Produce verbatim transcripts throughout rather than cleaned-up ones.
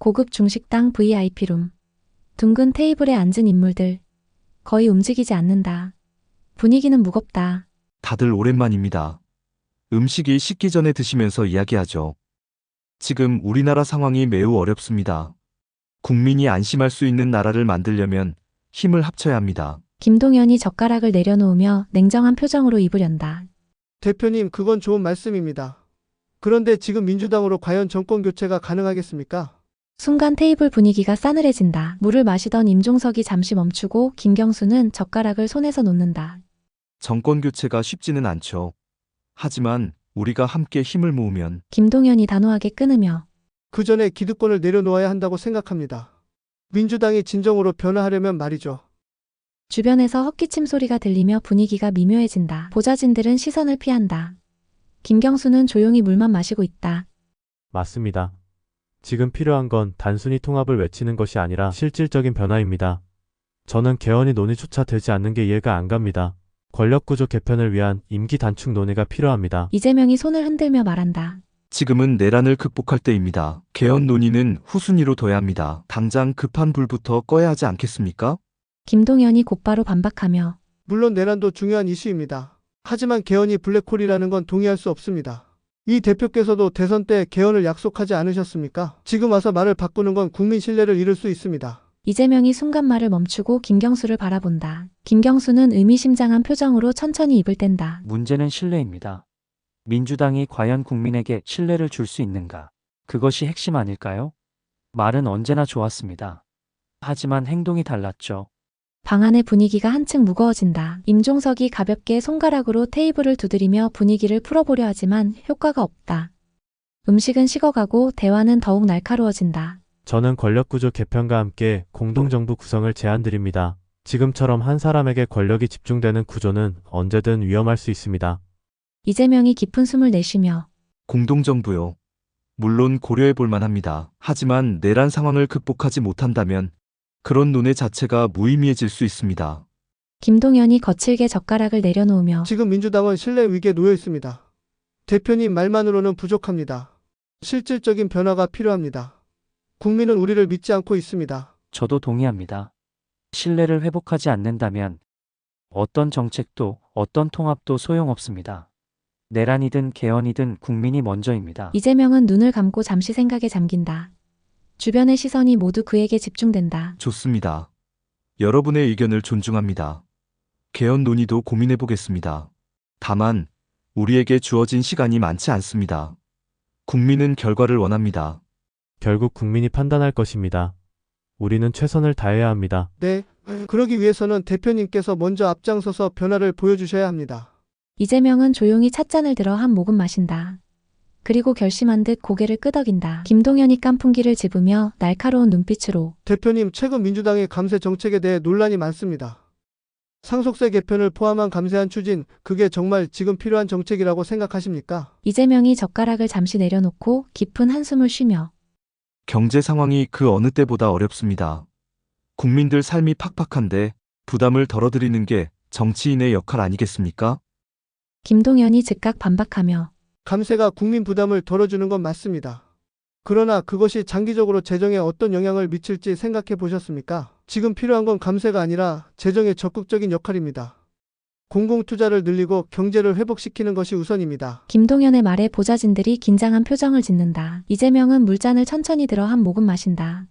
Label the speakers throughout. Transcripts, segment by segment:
Speaker 1: 고급 중식당 브이아이피룸. 둥근 테이블에 앉은 인물들. 거의 움직이지 않는다. 분위기는 무겁다.
Speaker 2: 다들 오랜만입니다. 음식이 식기 전에 드시면서 이야기하죠. 지금 우리나라 상황이 매우 어렵습니다. 국민이 안심할 수 있는 나라를 만들려면 힘을 합쳐야 합니다.
Speaker 1: 김동연이 젓가락을 내려놓으며 냉정한 표정으로 입을 연다.
Speaker 3: 대표님, 그건 좋은 말씀입니다. 그런데 지금 민주당으로 과연 정권 교체가 가능하겠습니까?
Speaker 1: 순간 테이블 분위기가 싸늘해진다. 물을 마시던 임종석이 잠시 멈추고 김경수는 젓가락을 손에서 놓는다.
Speaker 2: 정권 교체가 쉽지는 않죠. 하지만 우리가 함께 힘을 모으면
Speaker 1: 김동연이 단호하게 끊으며
Speaker 3: 그 전에 기득권을 내려놓아야 한다고 생각합니다. 민주당이 진정으로 변화하려면 말이죠.
Speaker 1: 주변에서 헛기침 소리가 들리며 분위기가 미묘해진다. 보좌진들은 시선을 피한다. 김경수는 조용히 물만 마시고 있다.
Speaker 4: 맞습니다. 지금 필요한 건 단순히 통합을 외치는 것이 아니라 실질적인 변화입니다. 저는 개헌이 논의조차 되지 않는 게 이해가 안 갑니다. 권력구조 개편을 위한 임기 단축 논의가 필요합니다.
Speaker 1: 이재명이 손을 흔들며 말한다.
Speaker 2: 지금은 내란을 극복할 때입니다. 개헌 논의는 후순위로 둬야 합니다. 당장 급한 불부터 꺼야 하지 않겠습니까?
Speaker 1: 김동연이 곧바로 반박하며
Speaker 3: 물론 내란도 중요한 이슈입니다. 하지만 개헌이 블랙홀이라는 건 동의할 수 없습니다. 이 대표께서도 대선 때 개헌을 약속하지 않으셨습니까? 지금 와서 말을 바꾸는 건 국민 신뢰를 잃을 수 있습니다.
Speaker 1: 이재명이 순간 말을 멈추고 김경수를 바라본다. 김경수는 의미심장한 표정으로 천천히 입을 뗀다.
Speaker 5: 문제는 신뢰입니다. 민주당이 과연 국민에게 신뢰를 줄 수 있는가? 그것이 핵심 아닐까요? 말은 언제나 좋았습니다. 하지만 행동이 달랐죠.
Speaker 1: 방 안의 분위기가 한층 무거워진다. 임종석이 가볍게 손가락으로 테이블을 두드리며 분위기를 풀어보려 하지만 효과가 없다. 음식은 식어가고 대화는 더욱 날카로워진다.
Speaker 4: 저는 권력구조 개편과 함께 공동정부 구성을 제안드립니다. 지금처럼 한 사람에게 권력이 집중되는 구조는 언제든 위험할 수 있습니다.
Speaker 1: 이재명이 깊은 숨을 내쉬며
Speaker 2: 공동정부요. 물론 고려해 볼 만합니다. 하지만 내란 상황을 극복하지 못한다면 그런 논의 자체가 무의미해질 수 있습니다.
Speaker 1: 김동연이 거칠게 젓가락을 내려놓으며
Speaker 3: 지금 민주당은 신뢰 위기에 놓여 있습니다. 대표님 말만으로는 부족합니다. 실질적인 변화가 필요합니다. 국민은 우리를 믿지 않고 있습니다.
Speaker 5: 저도 동의합니다. 신뢰를 회복하지 않는다면 어떤 정책도 어떤 통합도 소용없습니다. 내란이든 개헌이든 국민이 먼저입니다.
Speaker 1: 이재명은 눈을 감고 잠시 생각에 잠긴다. 주변의 시선이 모두 그에게 집중된다.
Speaker 2: 좋습니다. 여러분의 의견을 존중합니다. 개헌 논의도 고민해 보겠습니다. 다만 우리에게 주어진 시간이 많지 않습니다. 국민은 결과를 원합니다.
Speaker 4: 결국 국민이 판단할 것입니다. 우리는 최선을 다해야 합니다.
Speaker 3: 네, 그러기 위해서는 대표님께서 먼저 앞장서서 변화를 보여주셔야 합니다.
Speaker 1: 이재명은 조용히 찻잔을 들어 한 모금 마신다. 그리고 결심한 듯 고개를 끄덕인다. 김동연이 깐풍기를 집으며 날카로운 눈빛으로
Speaker 3: 대표님, 최근 민주당의 감세 정책에 대해 논란이 많습니다. 상속세 개편을 포함한 감세한 추진, 그게 정말 지금 필요한 정책이라고 생각하십니까?
Speaker 1: 이재명이 젓가락을 잠시 내려놓고 깊은 한숨을 쉬며
Speaker 2: 경제 상황이 그 어느 때보다 어렵습니다. 국민들 삶이 팍팍한데 부담을 덜어드리는 게 정치인의 역할 아니겠습니까?
Speaker 1: 김동연이 즉각 반박하며
Speaker 3: 감세가 국민 부담을 덜어주는 건 맞습니다. 그러나 그것이 장기적으로 재정에 어떤 영향을 미칠지 생각해 보셨습니까? 지금 필요한 건 감세가 아니라 재정의 적극적인 역할입니다. 공공투자를 늘리고 경제를 회복시키는 것이 우선입니다.
Speaker 1: 김동연의 말에 보좌진들이 긴장한 표정을 짓는다. 이재명은 물잔을 천천히 들어 한 모금 마신다.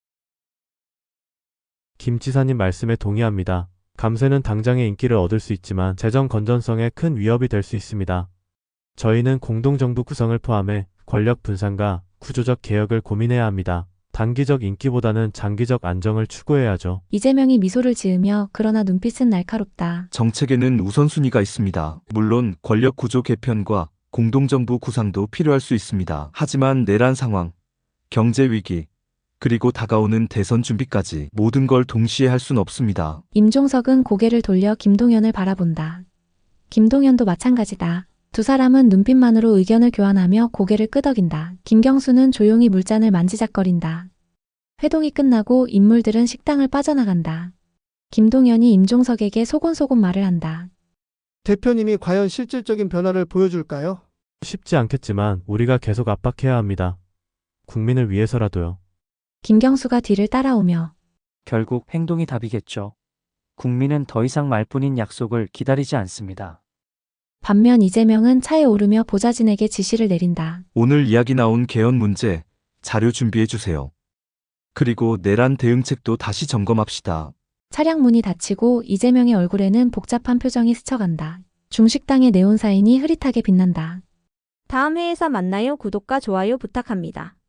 Speaker 4: 김 지사님 말씀에 동의합니다. 감세는 당장의 인기를 얻을 수 있지만 재정 건전성에 큰 위협이 될 수 있습니다. 저희는 공동정부 구성을 포함해 권력 분산과 구조적 개혁을 고민해야 합니다. 단기적 인기보다는 장기적 안정을 추구해야죠.
Speaker 1: 이재명이 미소를 지으며 그러나 눈빛은 날카롭다.
Speaker 2: 정책에는 우선순위가 있습니다. 물론 권력 구조 개편과 공동정부 구상도 필요할 수 있습니다. 하지만 내란 상황, 경제 위기, 그리고 다가오는 대선 준비까지 모든 걸 동시에 할 수는 없습니다.
Speaker 1: 임종석은 고개를 돌려 김동연을 바라본다. 김동연도 마찬가지다. 두 사람은 눈빛만으로 의견을 교환하며 고개를 끄덕인다. 김경수는 조용히 물잔을 만지작거린다. 회동이 끝나고 인물들은 식당을 빠져나간다. 김동연이 임종석에게 소곤소곤 말을 한다.
Speaker 3: 대표님이 과연 실질적인 변화를 보여줄까요?
Speaker 4: 쉽지 않겠지만 우리가 계속 압박해야 합니다. 국민을 위해서라도요.
Speaker 1: 김경수가 뒤를 따라오며
Speaker 5: 결국 행동이 답이겠죠. 국민은 더 이상 말뿐인 약속을 기다리지 않습니다.
Speaker 1: 반면 이재명은 차에 오르며 보좌진에게 지시를 내린다.
Speaker 2: 오늘 이야기 나온 개헌 문제 자료 준비해 주세요. 그리고 내란 대응책도 다시 점검합시다.
Speaker 1: 차량 문이 닫히고 이재명의 얼굴에는 복잡한 표정이 스쳐간다. 중식당의 네온 사인이 흐릿하게 빛난다.
Speaker 6: 다음 회에서 만나요. 구독과 좋아요 부탁합니다.